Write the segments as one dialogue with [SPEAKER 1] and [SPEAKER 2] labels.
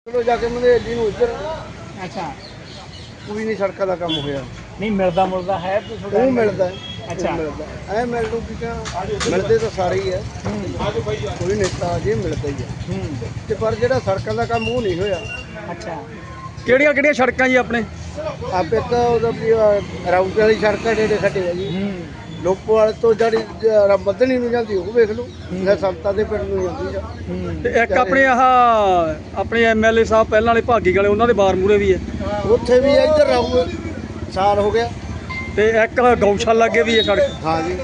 [SPEAKER 1] चलो जाके मंदेली नूं इधर
[SPEAKER 2] अच्छा
[SPEAKER 1] कोई नहीं सड़कों का काम होया
[SPEAKER 2] नहीं मिलता मुलता है तो थोड़ा
[SPEAKER 1] ਉਹ ਮਿਲਦਾ ਹੈ
[SPEAKER 2] अच्छा
[SPEAKER 1] ਮਿਲਦਾ ਐ ਮਿਲ ਨੂੰ ਕੀ ਕਹਾਂ ਮਿਲਦੇ ਤਾਂ ਸਾਰੇ ਹੀ ਹੈ ਕੋਈ ਨੇਤਾ ਜੇ ਮਿਲਦਾ ਹੀ ਹੈ ਤੇ ਪਰ ਜਿਹੜਾ ਸੜਕਾਂ ਦਾ ਕੰਮ ਉਹ ਨਹੀਂ ਹੋਇਆ
[SPEAKER 2] अच्छा
[SPEAKER 3] ਕਿਹੜੀਆਂ ਕਿਹੜੀਆਂ ਸੜਕਾਂ ਜੀ ਆਪਣੇ
[SPEAKER 1] ਆਪੇ ਤਾਂ ਉਹਦਾ ਵੀ ਰਾਊਟ ਵਾਲੀ ਸੜਕਾਂ ਜਿਹੜੇ ਸਾਡੇ ਹੈ ਜੀ ਲੋਕੋਵਾਲ ਤੋਂ ਜਿਹੜੀ ਬੱਦਣੀ ਨੂੰ ਜਾਂਦੀ ਉਹ ਵੇਖ ਲਓ ਜਾਂ ਸੰਤਾਂ ਦੇ ਪਿੰਡ ਨੂੰ ਜਾਂਦੀ ਆ
[SPEAKER 3] ਤੇ ਇੱਕ ਆਪਣੇ ਆਹ ਆਪਣੇ ਐਮਐਲਏ ਸਾਹਿਬ ਪਹਿਲਾਂ ਵਾਲੇ ਭਾਗੀ ਵਾਲੇ ਉਹਨਾਂ ਦੇ ਬਾਰ ਮੂਰੇ ਵੀ ਹੈ
[SPEAKER 1] ਉੱਥੇ ਵੀ ਇੱਧਰ ਰਾਊ ਸਾਲ ਹੋ ਗਿਆ
[SPEAKER 3] ਤੇ ਇੱਕ ਗਊਸ਼ਾਲਾ ਅੱਗੇ ਵੀ ਹੈ ਸੜਕ
[SPEAKER 1] ਹਾਂ ਜੀ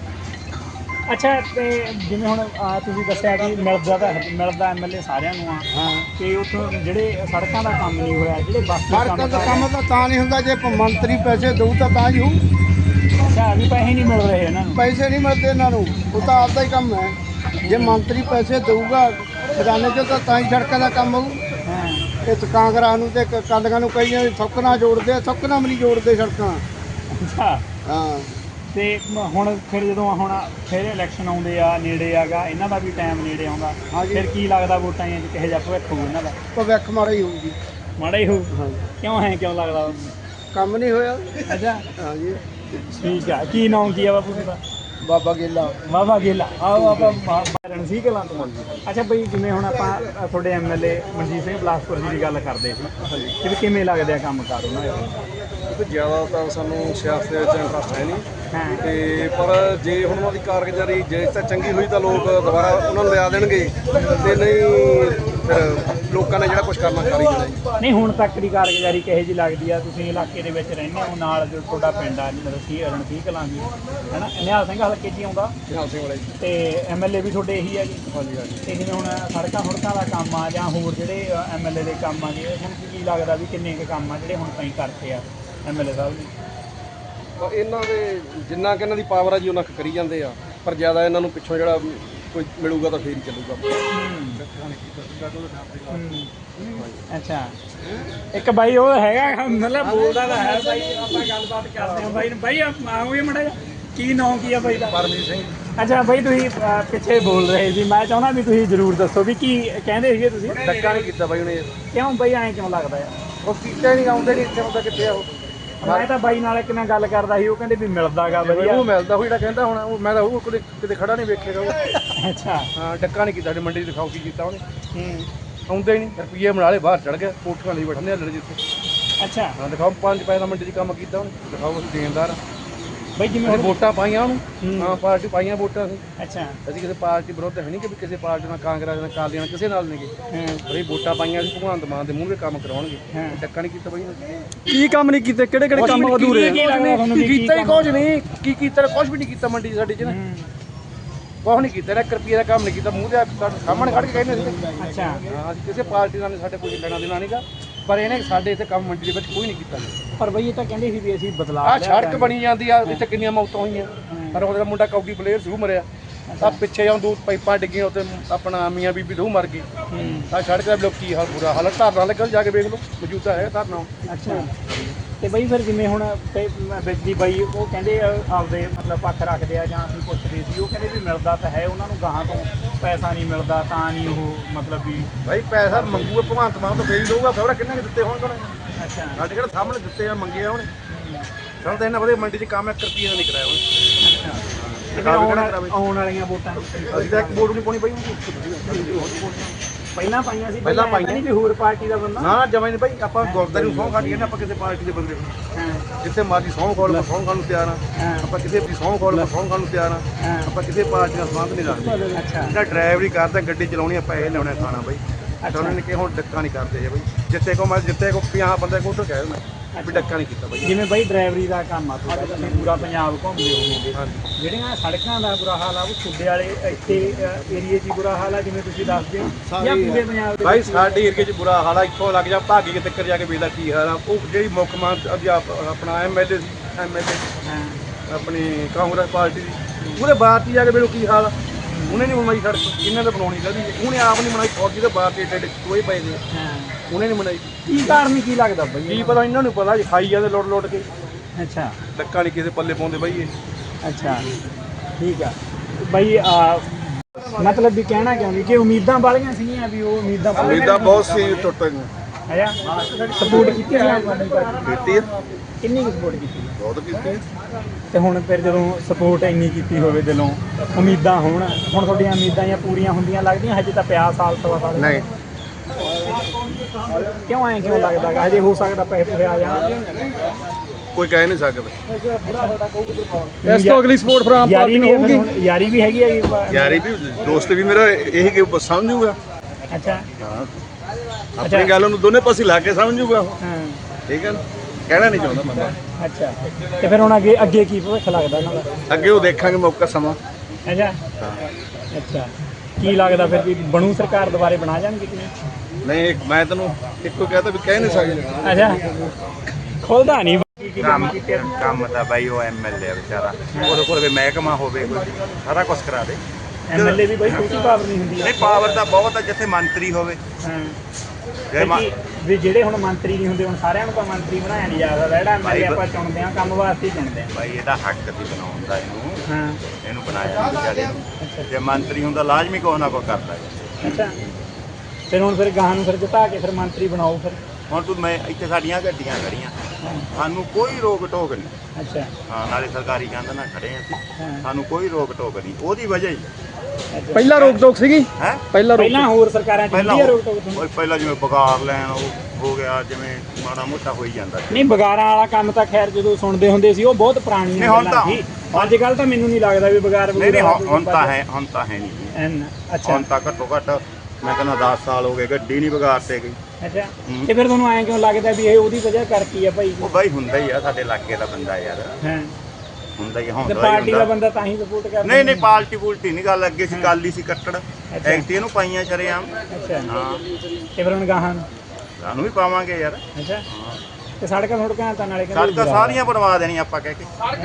[SPEAKER 2] ਅੱਛਾ ਤੇ ਜਿਵੇਂ ਹੁਣ ਤੁਸੀਂ ਦੱਸਿਆ ਕਿ ਮਿਲਦਾ ਐਮਐਲਏ ਸਾਰਿਆਂ ਨੂੰ ਆ
[SPEAKER 1] ਹਾਂ
[SPEAKER 2] ਤੇ ਉੱਥੋਂ ਜਿਹੜੇ ਸੜਕਾਂ ਦਾ ਕੰਮ ਨਹੀਂ ਹੋਇਆ ਜਿਹੜੇ ਬਾਕੀ
[SPEAKER 1] ਸੜਕਾਂ ਦਾ ਕੰਮ ਤਾਂ ਨਹੀਂ ਹੁੰਦਾ ਜੇ ਮੰਤਰੀ ਪੈਸੇ ਦਊ ਤਾਂ ਹੀ ਹੋਊ
[SPEAKER 2] ਅੱਛਾ ਵੀ ਪੈਸੇ ਨਹੀਂ ਮਿਲ ਰਹੇ ਇਹਨਾਂ ਨੂੰ
[SPEAKER 1] ਪੈਸੇ ਨਹੀਂ ਮਿਲਦੇ ਇਹਨਾਂ ਨੂੰ ਉਹ ਤਾਂ ਆਪਦਾ ਹੀ ਕੰਮ ਹੈ ਜੇ ਮੰਤਰੀ ਪੈਸੇ ਦਊਗਾ ਖਜ਼ਾਨੇ 'ਚੋਂ ਤਾਂ ਹੀ ਸੜਕਾਂ ਦਾ ਕੰਮ ਹੋਊ
[SPEAKER 2] ਹਾਂ
[SPEAKER 1] ਇਹ ਤਾਂ ਕਾਂਗਰਸ ਨੂੰ ਤੇ ਕਾਲੀਆਂ ਨੂੰ ਕਈਆਂ ਸੌਕਣਾ ਜੋੜਦੇ ਸੌਕਣਾ ਵੀ ਨਹੀਂ ਜੋੜਦੇ ਸੜਕਾਂ
[SPEAKER 2] ਅੱਛਾ
[SPEAKER 1] ਹਾਂ
[SPEAKER 2] ਤੇ ਹੁਣ ਫਿਰ ਜਦੋਂ ਹੁਣ ਫਿਰ ਇਲੈਕਸ਼ਨ ਆਉਂਦੇ ਆ ਨੇੜੇ ਆਗਾ ਇਹਨਾਂ ਦਾ ਵੀ ਟਾਈਮ ਨੇੜੇ ਆਉਂਦਾ
[SPEAKER 1] ਹਾਂਜੀ।
[SPEAKER 2] ਫਿਰ ਕੀ ਲੱਗਦਾ ਵੋਟਾਂ ਜਾਂ ਕਿਹੋ ਜਿਹਾ ਭਵਿੱਖ ਹੋਊ ਇਹਨਾਂ ਦਾ
[SPEAKER 1] ਭਵਿੱਖ ਮਾੜਾ ਹੀ ਹੋਊਗੀ
[SPEAKER 2] ਮਾੜਾ ਹੀ ਹੋਊ
[SPEAKER 1] ਹਾਂ
[SPEAKER 2] ਕਿਉਂ ਲੱਗਦਾ
[SPEAKER 1] ਕੰਮ ਨਹੀਂ ਹੋਇਆ
[SPEAKER 2] ਅੱਛਾ
[SPEAKER 1] ਹਾਂ ਜੀ
[SPEAKER 2] ਠੀਕ ਆ ਕੀ ਨਾਮ ਕੀ ਆ ਬਾਪੂ ਦਾ
[SPEAKER 1] ਬਾਬਾ ਗੇਲਾ
[SPEAKER 2] ਵਾਵਾ ਗੇਲਾ ਆਓ ਆਪਾਂ ਰਣਸੀ ਕਲਾਂ ਤੋਂ ਅੱਛਾ ਬਈ ਜਿਵੇਂ ਹੁਣ ਆਪਾਂ ਤੁਹਾਡੇ ਐਮਐਲਏ ਮਨਜੀਤ ਸਿੰਘ ਬਲਾਸਪੁਰ ਜੀ ਦੀ ਗੱਲ ਕਰਦੇ ਸੀ ਕਿ ਕਿਵੇਂ ਲੱਗਦੇ ਆ ਕੰਮ ਕਾਰ ਉਹਨਾਂ ਦੇ
[SPEAKER 3] ਜ਼ਿਆਦਾ ਤਾਂ ਸਾਨੂੰ ਸਿਆਸਤ ਦੇ ਵਿੱਚ ਇੰਟਰਸਟ ਹੈ ਨਹੀਂ
[SPEAKER 2] ਹਾਂ
[SPEAKER 3] ਤੇ ਪਰ ਜੇ ਹੁਣ ਉਹਨਾਂ ਦੀ ਕਾਰਗੁਜ਼ਾਰੀ ਜੇ ਤਾਂ ਚੰਗੀ ਹੋਈ ਤਾਂ ਲੋਕ ਦੁਬਾਰਾ ਉਹਨਾਂ ਨੂੰ ਲਿਆ ਦੇਣਗੇ ਤੇ ਨਹੀਂ ਫਿਰ ਲੋਕਾਂ ਨੇ ਜਿਹੜਾ ਕੁਝ ਕਰਨਾ ਕਰ ਹੀ ਦੇਣਾ ਜੀ
[SPEAKER 2] ਨਹੀਂ ਹੁਣ ਤੱਕ ਦੀ ਕਾਰਗੁਜ਼ਾਰੀ ਕਿਹੋ ਜਿਹੀ ਲੱਗਦੀ ਆ ਤੁਸੀਂ ਇਲਾਕੇ ਦੇ ਵਿੱਚ ਰਹਿੰਦੇ ਹੋ ਨਾਲ ਜੋ ਤੁਹਾਡਾ ਪਿੰਡ ਆ ਰਣਸੀ ਕਲਾਂ ਦੀ ਹੈ ਨਾ ਨਿਹਾਲ ਸਿੰਘ ਹਲਕੇ 'ਚ ਹੀ ਆਉਂਦਾ
[SPEAKER 3] ਨਿਹਾਲ ਸਿੰਘ ਵਾਲੇ ਜੀ
[SPEAKER 2] ਤੇ ਐਮਐਲਏ ਵੀ ਤੁਹਾਡੇ ਇਹੀ ਹੈਗੇ
[SPEAKER 3] ਹਾਂਜੀ ਹਾਂਜੀ
[SPEAKER 2] ਤੇ ਜਿਵੇਂ ਹੁਣ ਸੜਕਾਂ ਦਾ ਕੰਮ ਆ ਜਾਂ ਹੋਰ ਜਿਹੜੇ ਐਮਐਲਏ ਦੇ ਕੰਮ ਆ ਜਿਹੜੇ ਹੁਣ ਕੀ ਲੱਗਦਾ ਵੀ ਕਿੰਨੇ ਕੁ ਕੰਮ ਆ ਜਿਹੜੇ ਹੁਣ ਤਾਈਂ ਕਰਤੇ ਆ ਐਮਐਲਏ ਸਾਹਿਬ ਨੇ
[SPEAKER 3] ਪਰ ਇਹਨਾਂ ਦੇ ਜਿੰਨਾ ਕਿ ਇਹਨਾਂ ਦੀ ਪਾਵਰ ਆ ਜੀ ਉਹਨਾਂ ਕਰੀ ਜਾਂਦੇ ਆ ਪਰ ਜ਼ਿਆਦਾ ਇਹਨਾਂ ਨੂੰ ਪਿੱਛੋਂ ਜਿਹੜਾ ਕੋਈ ਮਿਲੂਗਾ ਤਾਂ ਫੇਰ ਹੀ ਚੱਲੂਗਾ
[SPEAKER 2] ਅੱਛਾ ਇੱਕ ਬਾਈ ਉਹ ਹੈਗਾ ਮਤਲਬ ਬੋਲਦਾ ਤਾਂ ਹੈ ਬਾਈ ਆਪਾਂ ਗੱਲਬਾਤ ਕਰਦੇ ਹਾਂ ਬਾਈ ਨੂੰ ਬਾਈ ਆਉਂਗੇ ਮੜਾ ਕੀ ਨਾਮ ਕੀ ਆ ਬਾਈ ਦਾ
[SPEAKER 3] ਪਰਮਜੀਤ ਸਿੰਘ
[SPEAKER 2] ਅੱਛਾ ਬਾਈ ਤੁਸੀਂ ਪਿੱਛੇ ਬੋਲ ਰਹੇ ਸੀ ਮੈਂ ਚਾਹੁੰਦਾ ਵੀ ਤੁਸੀਂ ਜ਼ਰੂਰ ਦੱਸੋ ਵੀ ਕੀ ਕਹਿੰਦੇ ਸੀਗੇ ਤੁਸੀਂ
[SPEAKER 3] ਧੱਕਾ ਨਹੀਂ ਕੀਤਾ ਬਾਈ ਉਹਨੇ
[SPEAKER 2] ਕਿਉਂ ਬਾਈ ਐਂ ਕਿਉਂ ਲੱਗਦਾ ਆ
[SPEAKER 3] ਉਹ ਕੀਤਾ ਨਹੀਂ ਆਉਂਦੇ ਨਹੀਂ ਇੱਥੇ ਹੁੰਦਾ ਕਿੱਥੇ ਆ ਉਹ
[SPEAKER 2] ਮੈਂ ਤਾਂ ਬਾਈ ਨਾਲ ਇੱਕ ਨਾਲ ਗੱਲ ਕਰਦਾ ਸੀ ਉਹ ਕਹਿੰਦੇ ਵੀ ਮਿਲਦਾਗਾ ਵਧੀਆ
[SPEAKER 3] ਉਹ ਮਿਲਦਾ ਉਹ ਜਿਹੜਾ ਕਹਿੰਦਾ ਹੁਣ ਮੈਂ ਤਾਂ ਉਹ ਕਿਤੇ ਖੜਾ ਨਹੀਂ ਵੇਖੇਗਾ ਉਹ
[SPEAKER 2] ਅੱਛਾ
[SPEAKER 3] ਹਾਂ ਧੱਕਾ ਨਹੀਂ ਕੀਤਾ ਸਾਡੇ ਮੰਡੀ 'ਚ ਦਿਖਾਓ ਕੀ ਕੀਤਾ ਉਹਨੇ
[SPEAKER 2] ਹੂੰ
[SPEAKER 3] ਆਉਂਦੇ ਹੀ ਨਹੀਂ ਰੁਪਈਏ ਬਣਾ ਲਏ ਬਾਹਰ ਚੜ ਗਿਆ ਕੋਠੀਆਂ ਲਈ ਬੈਠਦੇ ਆ ਲੜ ਜਿੱਥੇ
[SPEAKER 2] ਅੱਛਾ
[SPEAKER 3] ਹਾਂ ਦਿਖਾਓ 5 ਪੈਸੇ ਦਾ ਮੰਡੀ 'ਚ ਕੰਮ ਕੀਤਾ ਉਹਨੇ ਦਿਖਾਓ ਅਸੀਂ ਦੇਣਦਾਰ
[SPEAKER 2] ਬਾਈ ਜਿਵੇਂ
[SPEAKER 3] ਅਸੀਂ
[SPEAKER 2] ਹੁਣ
[SPEAKER 3] ਵੋਟਾਂ ਪਾਈਆਂ ਉਹਨੂੰ ਹਾਂ ਪਾਰਟੀ ਪਾਈਆਂ ਵੋਟਾਂ ਅਸੀਂ
[SPEAKER 2] ਅੱਛਾ
[SPEAKER 3] ਅਸੀਂ ਕਿਸੇ ਪਾਰਟੀ ਵਿਰੁੱਧ ਹੈ ਨਹੀਂ ਕਿ ਵੀ ਕਿਸੇ ਪਾਰਟੀ ਨਾਲ ਕਾਂਗਰਸ ਨਾਲ ਕਾਲੀਆਂ ਨਾਲ ਕਿਸੇ ਨਾਲ ਨਹੀਂ
[SPEAKER 2] ਹਾਂ
[SPEAKER 3] ਅਸੀਂ ਵੋਟਾਂ ਪਾਈਆਂ ਅਸੀਂ ਭਗਵਾਨ ਮਾਨ ਦੇ ਮੂੰਹ ਦੇ ਕੰਮ ਕਰਾਉਣਗੇ
[SPEAKER 2] ਹਾਂ
[SPEAKER 3] ਧੱਕਾ ਨਹੀਂ ਕੀਤਾ ਬਾਈ ਉਹਨੇ
[SPEAKER 4] ਕੀ ਕੰਮ ਨਹੀਂ ਕੀਤੇ ਕਿਹੜੇ ਕਿਹੜੇ ਕੰਮ ਅਧੂਰੇ ਆ?
[SPEAKER 3] ਕੀਤਾ ਹੀ ਕੁਝ ਨਹੀਂ ਕੀ ਕੀਤਾ ਕੁਝ ਵੀ ਨਹੀਂ ਕੀਤਾ ਮੰਡੀ 'ਚ ਸਾਡੀ 'ਚ ਨਾ ਕੁਝ ਨਹੀਂ ਕੀਤਾ 1 ਰੁਪਈਏ ਦਾ ਕੰਮ ਨਹੀਂ ਕੀਤਾ ਮੂੰਹ ਦੇ ਸਾਹਮਣੇ ਖੜ ਕੇ ਕਹਿੰਦੇ ਸੀ
[SPEAKER 2] ਅੱਛਾ
[SPEAKER 3] ਹਾਂ ਅਸੀਂ ਕਿਸੇ ਪਾਰਟੀ ਨਾਲ ਸਾਡੇ ਕੋਈ ਲੈਣਾ ਦੇਣਾ ਨਹੀਂਗਾ ਪਰ ਇਹਨੇ ਸਾਡੇ ਇੱਥੇ ਕੰਮ ਮੰਡੀ ਦੇ ਵਿੱਚ ਕੋਈ ਨਹੀਂ ਕੀਤਾ
[SPEAKER 2] ਪਰ ਬਈ ਇਹ ਤਾਂ ਕਹਿੰਦੇ ਸੀ ਵੀ ਅਸੀਂ ਬਦਲਾਅ
[SPEAKER 3] ਆਹ ਸੜਕ ਬਣੀ ਜਾਂਦੀ ਆ ਇੱਥੇ ਕਿੰਨੀਆਂ ਮੌਤਾਂ ਹੋਈਆਂ ਪਰ ਉਹਦਾ ਮੁੰਡਾ ਕੌਗੀ ਪਲੇਅਰ ਜ਼ਰੂਰ ਮਰਿਆ ਆ ਪਿੱਛੇ ਜਾਂ ਦੋ ਪਾਈਪਾਂ ਡਿੱਗੀਆਂ ਉੱਤੇ ਆਪਣਾ ਮੀਆਂ ਬੀਬੀ ਦੋ ਮਰ ਗਈ ਆ ਸੜਕ ਦਾ ਲੋਕ ਕੀ ਹਾਲ ਬੁਰਾ ਹਾਲ ਧਰਨਾ ਲੱਗਲ ਜਾ ਕੇ ਵੇਖ ਲਓ ਮੌਜੂਦਾ ਹੈ ਧਰਨਾ
[SPEAKER 2] ਅੱਛਾ ਤੇ ਬਈ ਫਿਰ ਜਿਵੇਂ ਹੁਣ ਬਿਜਲੀ ਬਾਈ ਉਹ ਕਹਿੰਦੇ ਆਪਦੇ ਮਤਲਬ ਪੱਖ ਰੱਖਦੇ ਆ ਜਾਂ ਅਸੀਂ ਪੁੱਛਦੇ ਸੀ ਉਹ ਕਹਿੰਦੇ ਵੀ ਮਿਲਦਾ ਤਾਂ ਹੈ ਉਹਨਾਂ ਨੂੰ ਗਾਹਾਂ ਤੋਂ ਪੈਸਾ ਨਹੀਂ ਮਿਲਦਾ ਤਾਂ ਨਹੀਂ ਉਹ ਮਤਲਬ ਵੀ
[SPEAKER 3] ਭਾਈ ਪੈਸਾ ਮੰਗੂਗਾ ਭਗਵੰਤ ਮਾਨ ਤੋਂ ਫੇਰ ਦਊਗਾ ਖਬਰ ਕਿੰਨੇ ਕੁ ਦਿੱਤੇ ਹੋਣਗੇ ਉਹਨੇ
[SPEAKER 2] ਅੱਛਾ
[SPEAKER 3] ਸਾਡੇ ਕਿਹੜੇ ਸਾਹਮਣੇ ਦਿੱਤੇ ਆ ਮੰਗੇ ਆ ਉਹਨੇ ਸਾਨੂੰ ਤਾਂ ਇਹਨਾਂ ਵਧੀਆ ਮੰਡੀ 'ਚ ਕੰਮ 1 ਰੁਪਈਏ ਦਾ ਨਹੀਂ ਕਰਾਇਆ ਉਹਨੇ
[SPEAKER 2] ਤੇ ਫਿਰ ਆਉਣ ਵਾਲੀਆਂ ਵੋਟਾਂ
[SPEAKER 3] ਅਸੀਂ ਤਾਂ ਇੱਕ ਵੋਟ ਨਹੀਂ ਪਾਉਣੀ ਬਾਈ
[SPEAKER 2] ਪਹਿਲਾਂ ਪਾਈਆਂ ਸੀ
[SPEAKER 3] ਪਹਿਲਾਂ ਪਾਈਆਂ
[SPEAKER 2] ਨਹੀਂ ਵੀ ਹੋਰ ਪਾਰਟੀ ਦਾ ਬੰਦਾ
[SPEAKER 3] ਨਾ ਜਮਾਂ ਨਹੀਂ ਬਾਈ ਆਪਾਂ ਗੁਰਦਾਰੇ ਨੂੰ ਸਹੁੰ ਖਾ ਕੇ ਆਪਾਂ ਕਿਸੇ ਪਾਰਟੀ ਦੇ ਬੰਦੇ ਨੂੰ
[SPEAKER 2] ਹਾਂ
[SPEAKER 3] ਜਿੱਥੇ ਮਰਜ਼ੀ ਸਹੁੰ ਖੋਲ ਕੇ ਸਹੁੰ ਖਾਣ ਨੂੰ ਤਿਆਰ ਆ
[SPEAKER 2] ਹਾਂ
[SPEAKER 3] ਆਪਾਂ ਕਿਸੇ ਦੀ ਸਹੁੰ ਖੋਲ ਕੇ ਸਹੁੰ ਖਾਣ ਨੂੰ ਤਿਆਰ ਆ
[SPEAKER 2] ਹਾਂ
[SPEAKER 3] ਆਪਾਂ ਕਿਸੇ ਪਾਰਟੀ ਨਾਲ ਸੰਬੰਧ ਨਹੀਂ ਰੱਖਦੇ
[SPEAKER 2] ਅੱਛਾ
[SPEAKER 3] ਜਿਹੜਾ ਡਰਾਈਵਰੀ ਕਰਦਾ ਗੱਡੀ ਚਲਾਉਣੀ ਆ ਪੈਸੇ ਲਾਉਣੇ ਖਾਣਾ ਬਾਈ ਤਾਂ ਉਹਨਾਂ ਨੇ ਕਿ ਹੁਣ ਡੱਕਾ ਨਹੀਂ ਕਰਦੇ ਬਾਈ ਜਿੱਥੇ ਕੋ ਮੈਂ ਜਿੱਥੇ ਕੋ 50 ਬੰਦੇ ਕੋ ਉੱਥੇ ਕਹਿ ਦਿੰਦਾ ਵੀ ਡੱਕਾ ਨਹੀਂ ਕੀਤਾ ਬਾਈ
[SPEAKER 2] ਜਿਵੇਂ ਬਾਈ ਡਰਾਈਵਰੀ ਦਾ ਕੰਮ ਆ ਤੁਹਾਡਾ ਤੁਸੀਂ ਪੂਰਾ ਪੰਜਾਬ ਘੁੰਮਦੇ ਹੋਵੋਗੇ
[SPEAKER 3] ਹਾਂਜੀ
[SPEAKER 2] ਜਿਹੜੀਆਂ ਸੜਕਾਂ ਦਾ ਬੁਰਾ ਹਾਲ ਆ ਉਹ ਛੁੱਡੇ ਵਾਲੇ ਇੱਥੇ ਏਰੀਏ 'ਚ ਬੁਰਾ ਹਾਲ ਆ ਜਿਵੇਂ ਤੁਸੀਂ ਦੱਸਦੇ ਹੋ ਜਾਂ ਪੂਰੇ ਪੰਜਾਬ ਦੇ
[SPEAKER 3] ਬਾਈ ਸਾਡੇ ਏਰੀਏ 'ਚ ਬੁਰਾ ਹਾਲ ਆ ਇੱਥੋਂ ਲੱਗ ਜਾ ਭਾਗੀ ਕੇ ਤੱਕ ਜਾ ਕੇ ਵੇਲਾ ਕੀ ਹਾਲ ਆ ਉਹ ਜਿਹੜੀ ਮੁੱਖ ਮੰਤਰੀ ਆਪਣਾ ਐਮਐਲਏ
[SPEAKER 2] ਹਾਂ
[SPEAKER 3] ਆਪਣੀ ਕਾਂਗਰਸ ਪਾਰਟੀ ਦੀ ਉਹਦੇ ਬਾਅਦ ਹੀ ਜਾ ਕੇ ਵੇਲੋ ਕੀ ਹਾਲ ਆ ਉਹਨੇ ਨਹੀਂ ਬਣਾਈ ਸੜਕ ਇਹਨਾਂ ਨੇ ਬਣਾਉਣੀ ਚਾਹੀਦੀ ਉਹਨੇ ਆਪ ਨਹੀਂ ਬਣਾਈ ਫੌਜੀ ਦੇ ਬਾਅਦ ਏਡੇ ਕੋਈ ਪਏ ਨੇ
[SPEAKER 2] ਹਾਂ
[SPEAKER 3] ਉਹਨੇ ਨਹੀਂ ਬਣਾਈ
[SPEAKER 2] ਕੀ ਕਾਰਨ ਕੀ ਲੱਗਦਾ ਬਾਈ
[SPEAKER 3] ਕੀ ਪਤਾ ਇਹਨਾਂ ਨੂੰ ਪਤਾ ਜੀ ਖਾਈ ਜਾਂਦੇ ਲੁੱਟ ਕੇ
[SPEAKER 2] ਅੱਛਾ
[SPEAKER 3] ਡੱਕਾ ਨਹੀਂ ਕਿਸੇ ਪੱਲੇ ਪਾਉਂਦੇ ਬਾਈ ਇਹ
[SPEAKER 2] ਅੱਛਾ ਠੀਕ ਆ ਬਾਈ ਮਤਲਬ ਵੀ ਕਹਿਣਾ ਕਿਉਂ ਵੀ ਕਿ ਉਮੀਦਾਂ ਵਾਲੀਆਂ ਸੀਗੀਆਂ ਵੀ ਉਹ ਉਮੀਦਾਂ
[SPEAKER 1] ਬਹੁਤ ਸੀ ਟੁੱਟ ਗਈਆਂ।
[SPEAKER 2] ਹੈਗਾ ਸਪੋਰਟ ਕੀਤੀ ਸੀ ਆਮ ਆਦਮੀ ਪਾਰਟੀ
[SPEAKER 1] ਕੀਤੀ ਹੈ,
[SPEAKER 2] ਕਿੰਨੀ ਸਪੋਰਟ ਕੀਤੀ
[SPEAKER 1] ਬਹੁਤ ਕੀਤੀ।
[SPEAKER 2] ਤੇ ਹੁਣ ਫਿਰ ਜਦੋਂ ਸਪੋਰਟ ਇੰਨੀ ਕੀਤੀ ਹੋਵੇ ਦਿਲੋਂ ਉਮੀਦਾਂ ਹੋਣ ਹੁਣ ਤੁਹਾਡੀਆਂ ਉਮੀਦਾਂ ਜਾਂ ਪੂਰੀਆਂ ਹੁੰਦੀਆਂ ਲੱਗਦੀਆਂ ਹਜੇ ਤਾਂ ਪਿਆ ਸਾਲ ਸਵਾ ਸਾਲ
[SPEAKER 1] ਨਹੀਂ,
[SPEAKER 2] ਕਿਉਂ ਐਂ ਕਿਉਂ ਲੱਗਦਾ ਗਾ ਹਜੇ ਹੋ ਸਕਦਾ ਪੈਸੇ ਪੂਰੇ ਆ ਜਾਣ
[SPEAKER 1] ਕੋਈ ਕਹਿ ਨਹੀਂ ਸਕਦਾ।
[SPEAKER 4] ਇਸ ਤੋਂ ਅਗਲੀ ਸਪੋਰਟ ਫਿਰ ਆਮ
[SPEAKER 2] ਯਾਰੀ
[SPEAKER 4] ਪਾਰਟੀ
[SPEAKER 2] ਵੀ
[SPEAKER 4] ਨੂੰ
[SPEAKER 2] ਹੈ
[SPEAKER 4] ਹੋਊਗੀ।
[SPEAKER 2] ਫਿਰ ਹੁਣ, ਯਾਰੀ ਵੀ ਹੈਗੀ ਹੈ
[SPEAKER 1] ਯਾਰੀ ਵੀ ਦੋਸਤ ਵੀ ਮੇਰਾ ਇਹੀ ਕਿ ਸਮਝੂਗਾ।
[SPEAKER 2] ਅੱਛਾ
[SPEAKER 1] ਆਪਣੀ ਗੱਲ ਨੂੰ ਦੋਨੇ ਪਾਸੇ ਲਾ ਕੇ ਸਮਝੂਗਾ ਉਹ।
[SPEAKER 2] ਹਾਂ
[SPEAKER 1] ਠੀਕ ਹੈ ਨਾ, ਕਹਿਣਾ ਨਹੀਂ ਚਾਹੁੰਦਾ ਬੰਦਾ।
[SPEAKER 2] ਅੱਛਾ ਤੇ ਫਿਰ ਹੁਣ ਅੱਗੇ ਕੀ ਭਵਿੱਖ ਲੱਗਦਾ ਇਹਨਾਂ ਦਾ
[SPEAKER 1] ਅੱਗੇ ਉਹ ਦੇਖਾਂਗੇ ਮੌਕਾ ਸਮਾਂ।
[SPEAKER 2] ਅੱਛਾ ਅੱਛਾ ਕੀ ਲੱਗਦਾ ਫਿਰ ਵੀ ਬਣੂ ਸਰਕਾਰ ਦੁਬਾਰੇ ਬਣਾ ਜਾਣਗੇ ਕਿ ਨਹੀਂ
[SPEAKER 1] ਨਹੀਂ, ਮੈਂ ਤੈਨੂੰ ਇੱਕੋ ਕਹਤਾ ਵੀ ਕਹਿ ਨਹੀਂ ਸਕਦਾ।
[SPEAKER 2] ਅੱਛਾ ਖੁੱਲਦਾ ਨਹੀਂ
[SPEAKER 5] ਕੰਮ ਤਾਂ ਬਾਈ ਉਹ ਐਮਐਲਏ ਆ ਵਿਚਾਰਾ, ਉਹਦੇ ਕੋਲ ਵੀ ਮਹਿਕਮਾ ਹੋਵੇ ਕੋਈ ਸਾਰਾ ਕੁਝ ਕਰਾ ਦੇ।
[SPEAKER 2] ਐਮਐਲਏ ਵੀ ਬਈ ਕੋਈ ਪਾਵਰ ਨਹੀਂ ਹੁੰਦੀ
[SPEAKER 5] ਨਹੀਂ ਪਾਵਰ ਤਾਂ ਬਹੁਤ ਆ, ਜਿੱਥੇ ਮੰਤਰੀ ਹੋਵੇ।
[SPEAKER 2] ਹਾਂ
[SPEAKER 5] ਜੇ ਮ-
[SPEAKER 2] ਵੀ ਜਿਹੜੇ ਹੁਣ ਮੰਤਰੀ ਨਹੀਂ ਹੁੰਦੇ ਹੁਣ ਸਾਰਿਆਂ ਨੂੰ ਤਾਂ ਮੰਤਰੀ ਬਣਾਇਆ ਨਹੀਂ ਜਾ ਸਕਦਾ ਜਿਹੜਾ ਐਮਐਲਏ ਆਪਾਂ ਚੁਣਦੇ ਆ ਕੰਮ ਵਾਸਤੇ ਹੀ ਚੁਣਦੇ ਆ
[SPEAKER 5] ਬਾਈ ਇਹਦਾ ਹੱਕ ਸੀ ਬਣਾਉਣ ਦਾ,
[SPEAKER 2] ਹਾਂ
[SPEAKER 5] ਇਹਨੂੰ ਬਣਾਇਆ ਨੀ ਵਿਚਾਰੇ ਨੂੰ। ਜੇ ਮੰਤਰੀ ਹੁੰਦਾ ਲਾਜ਼ਮੀ ਕੋਈ ਨਾ ਕੋਈ ਕਰਦਾ ਹੈ।
[SPEAKER 2] ਅੱਛਾ ਫਿਰ ਹੁਣ ਫਿਰ ਗਾਹਾਂ ਨੂੰ ਫਿਰ ਜਿਤਾ ਕੇ ਫਿਰ ਮੰਤਰੀ ਬਣਾਓ ਫਿਰ
[SPEAKER 5] ਹੁਣ ਤੂੰ ਮੈਂ ਇੱਥੇ ਸਾਡੀਆਂ ਗੱਡੀਆਂ ਖੜੀਆਂ, ਸਾਨੂੰ ਕੋਈ ਰੋਕ ਟੋਕ ਨਹੀਂ।
[SPEAKER 2] ਅੱਛਾ
[SPEAKER 5] ਹਾਂ ਨਾਲੇ ਸਰਕਾਰੀ ਕੰਧ ਨਾਲ ਖੜੇ ਅਸੀਂ,
[SPEAKER 2] ਹਾਂ
[SPEAKER 5] ਸਾਨੂੰ ਕੋਈ ਰੋਕ ਟੋਕ ਨਹੀਂ, ਉਹਦੀ ਵਜ੍ਹਾ ਹੀ
[SPEAKER 2] ਅੱਛਾ
[SPEAKER 4] ਪਹਿਲਾਂ ਰੋਕ ਟੋਕ ਸੀਗੀ,
[SPEAKER 5] ਹੈ।
[SPEAKER 4] ਪਹਿਲਾਂ ਰੋਕ
[SPEAKER 2] ਪਹਿਲਾਂ ਹੋਰ ਸਰਕਾਰਾਂ ਚ
[SPEAKER 5] ਪਹਿਲਾਂ
[SPEAKER 2] ਹੁੰਦੀ ਆ ਰੋਕ ਟੋਕ ਤੁਹਾਨੂੰ?
[SPEAKER 5] ਉਹ ਪਹਿਲਾਂ ਜਿਵੇਂ ਬਗਾਰ ਲੈਣ ਉਹ ਹੋ ਗਿਆ, ਜਿਵੇਂ ਮਾੜਾ ਮੋਟਾ ਹੋਈ ਜਾਂਦਾ ਸੀ।
[SPEAKER 2] ਨਹੀਂ ਬਗਾਰਾਂ ਵਾਲਾ ਕੰਮ ਤਾਂ ਖੈਰ ਜਦੋਂ ਸੁਣਦੇ ਹੁੰਦੇ ਸੀ ਉਹ ਬਹੁਤ ਪੁਰਾਣੀਆਂ
[SPEAKER 5] ਨਹੀਂ, ਹੁਣ
[SPEAKER 2] ਗੱਲਾਂ
[SPEAKER 5] ਤਾਂ-
[SPEAKER 2] ਸੀ ਅੱਜ ਕੱਲ ਤਾਂ ਮੈਨੂੰ ਨਹੀਂ ਲੱਗਦਾ ਵੀ ਬਗਾਰ
[SPEAKER 5] ਨਹੀਂ ਨਹੀਂ
[SPEAKER 2] ਵਗੂਰ
[SPEAKER 5] ਹੁਣ ਤਾਂ ਹੈ, ਹੁਣ ਤਾਂ ਹੈ ਨਹੀਂ।
[SPEAKER 2] ਅੱਛਾ
[SPEAKER 5] ਹੁਣ ਤਾਂ ਘੱਟੋ ਘੱਟ ਮੈਂ ਕਹਿੰਦਾ 10 ਸਾਲ ਹੋ ਗਏ ਗੱਡੀ ਨਹੀਂ ਵਿਗਾੜ ਤੇ ਗਈ।
[SPEAKER 2] ਅੱਛਾ ਤੇ ਫਿਰ ਤੁਹਾਨੂੰ ਐਂ ਕਿਉਂ ਲੱਗਦਾ ਵੀ ਇਹ ਉਹਦੀ ਵਜ੍ਹਾ ਕਰਕੇ ਆ ਭਾਈ
[SPEAKER 5] ਉਹ ਬਾਈ ਹੁੰਦਾ ਹੀ ਆ, ਸਾਡੇ ਇਲਾਕੇ ਦਾ ਬੰਦਾ ਯਾਰ,
[SPEAKER 2] ਹਾਂ
[SPEAKER 5] ਹੁੰਦਾ ਹੀ
[SPEAKER 2] ਤੇ
[SPEAKER 5] ਹੁੰਦਾ
[SPEAKER 2] ਪਾਰਟੀ
[SPEAKER 5] ਹੀ
[SPEAKER 2] ਦਾ
[SPEAKER 5] ਹੁੰਦਾ।
[SPEAKER 2] ਬੰਦਾ ਤਾਂ ਹੀ ਸਪੋਰਟ ਕਰਦਾ
[SPEAKER 5] ਨਹੀਂ ਨਹੀਂ ਪਾਰਟੀ ਪੂਲਟੀ ਨਹੀਂ, ਗੱਲ ਅੱਗੇ ਸੀ ਗੱਲ ਹੀ ਸੀ ਕੱਟੜ ਐਕਟੀ ਇਹਨੂੰ ਪਾਈਆਂ ਸ਼ਰੇਆਮ।
[SPEAKER 2] ਅੱਛਾ
[SPEAKER 5] ਹਾਂ
[SPEAKER 2] ਤੇ ਫਿਰ ਹੁਣ ਗਾਹਾਂ ਨੂੰ?
[SPEAKER 5] ਸਾਨੂੰ ਵੀ ਪਾਵਾਂਗੇ ਯਾਰ।
[SPEAKER 2] ਅੱਛਾ ਤੇ ਸੜਕਾਂ ਥੋੜਕਾਂ ਤਾਂ ਨਾਲੇ ਕਹਿੰਦੇ
[SPEAKER 5] ਸੜਕਾਂ ਸਾਰੀਆਂ ਬਣਵਾ ਦੇਣੀਆਂ ਆਪਾਂ ਕਹਿ ਕੇ,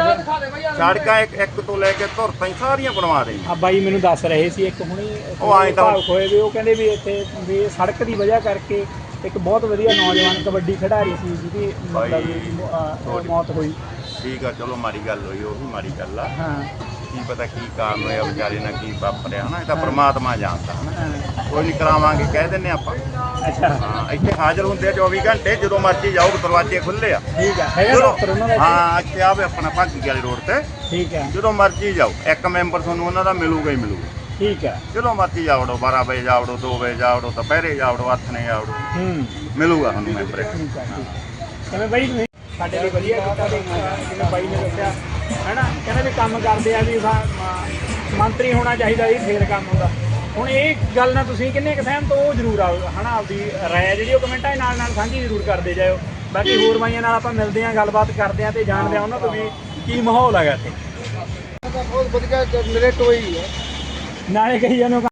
[SPEAKER 5] ਸੜਕਾਂ ਇੱਕ ਤੋਂ ਲੈ ਕੇ ਧੁਰ ਤਾਈਂ ਸਾਰੀਆਂ ਬਣਵਾ ਦੇਣੀਆਂ।
[SPEAKER 2] ਆ ਬਾਈ ਮੈਨੂੰ ਦੱਸ ਰਹੇ ਸੀ ਇੱਕ ਹੁਣੀ
[SPEAKER 5] ਉਹ ਆਏਂ ਤਾਂ-
[SPEAKER 2] ਭਾਵੁਕ ਹੋਏ ਵੀ ਉਹ ਕਹਿੰਦੇ ਵੀ ਇੱਥੇ ਵੀ ਇਹ ਸੜਕ ਦੀ ਵਜ੍ਹਾ ਕਰਕੇ ਇੱਕ ਬਹੁਤ ਵਧੀਆ ਨੌਜਵਾਨ ਕਬੱਡੀ ਖਿਡਾਰੀ ਸੀ ਜਿਹਦੀ ਮਤਲਬ ਵੀ, ਮੌਤ ਹੋਈ।
[SPEAKER 5] ਠੀਕ ਆ ਚਲੋ ਮਾੜੀ ਗੱਲ ਹੋਈ, ਉਹ ਵੀ ਮਾੜੀ ਗੱਲ ਆ।
[SPEAKER 2] ਹਾਂ
[SPEAKER 5] ਕੀ ਪਤਾ ਕੀ ਕਾਰਨ ਹੋਇਆ ਵਿਚਾਰੇ ਨਾਲ, ਕੀ ਵਾਪਰਿਆ ਹਨਾ, ਇਹ ਤਾਂ ਪ੍ਰਮਾਤਮਾ ਜਾਣਦਾ ਹਨਾ।
[SPEAKER 2] ਹਾਂ
[SPEAKER 5] ਕੋਈ ਨਹੀਂ ਕਰਾਵਾਂਗੇ ਕਹਿ ਦਿੰਨੇ ਆਪਾਂ।
[SPEAKER 2] ਅੱਛਾ
[SPEAKER 5] ਹਾਂ ਇੱਥੇ ਹਾਜ਼ਰ ਹੁੰਦੇ ਆ 24 ਘੰਟੇ, ਜਦੋਂ ਮਰਜ਼ੀ ਜਾਓ, ਦਰਵਾਜ਼ੇ ਖੁੱਲੇ ਆ।
[SPEAKER 2] ਠੀਕ ਆ ਹੈਗਾ
[SPEAKER 5] ਚਲੋ
[SPEAKER 2] ਡਾਕਟਰ ਉਹਨਾਂ ਦਾ ਇੱਥੇ?
[SPEAKER 5] ਹਾਂ ਇੱਥੇ ਆਵੇ ਆਪਣਾ ਭਾਗੀ ਵਾਲੇ ਰੋਡ ਤੇ,
[SPEAKER 2] ਠੀਕ ਆ
[SPEAKER 5] ਜਦੋਂ ਮਰਜ਼ੀ ਜਾਓ, ਇੱਕ ਮੈਂਬਰ ਤੁਹਾਨੂੰ ਉਹਨਾਂ ਦਾ ਮਿਲੂਗਾ ਹੀ ਮਿਲੂਗਾ।
[SPEAKER 2] ਠੀਕ ਆ
[SPEAKER 5] ਜਦੋਂ ਮਰਜ਼ੀ ਜਾਵੜੋ, 12 ਵਜੇ ਜਾਵੜੋ, 2 ਵਜੇ ਜਾਵੜੋ, ਦੁਪਹਿਰੇ ਜਾਵੜੋ, ਹੱਥ ਨੇ ਜਾਵੜੋ, ਮਿਲੂਗਾ ਤੁਹਾਨੂੰ ਮੈਂਬਰ ਇੱਕ।
[SPEAKER 2] ਠੀਕ ਆ ਠੀਕ ਕਿਵੇਂ ਬਾਈ ਤੁਸੀਂ ਸਾਡੇ ਲਈ ਵਧੀਆ ਕੀਤਾ ਤੇ ਜਿਵੇਂ ਬਾਈ ਨੇ ਦੱਸਿਆ ਹੈਨਾ, ਕਹਿੰਦੇ ਵੀ ਕੰਮ ਕਰਦੇ ਆ ਵੀ ਮੰਤਰੀ ਹੋਣਾ ਚਾਹੀਦਾ ਜੀ ਫੇਰ ਕੰਮ ਹੁੰਦਾ। ਹੁਣ ਇਹ ਗੱਲ ਨਾਲ ਤੁਸੀਂ ਕਿੰਨੇ ਕੁ ਸਹਿਮਤ ਹੋ ਉਹ ਜ਼ਰੂਰ ਆਓ ਹਨਾ, ਆਪਦੀ ਰਾਏ ਜਿਹੜੀ ਉਹ ਕਮੈਂਟਾਂ ਦੇ ਨਾਲ ਸਾਂਝੀ ਜ਼ਰੂਰ ਕਰਦੇ ਜਾਇਓ। ਬਾਕੀ ਹੋਰ ਬਾਈਆਂ ਨਾਲ ਆਪਾਂ ਮਿਲਦੇ ਹਾਂ, ਗੱਲਬਾਤ ਕਰਦੇ ਹਾਂ ਤੇ ਜਾਣਦੇ ਹਾਂ ਉਹਨਾਂ ਤੋਂ ਵੀ ਕੀ ਮਾਹੌਲ ਹੈਗਾ ਇੱਥੇ।
[SPEAKER 1] ਬਹੁਤ ਵਧੀਆ ਮੇਰੇ ਟੋਈ ਹੈ।
[SPEAKER 2] ਨਾਲੇ ਕਹੀ ਜਾਂਦੇ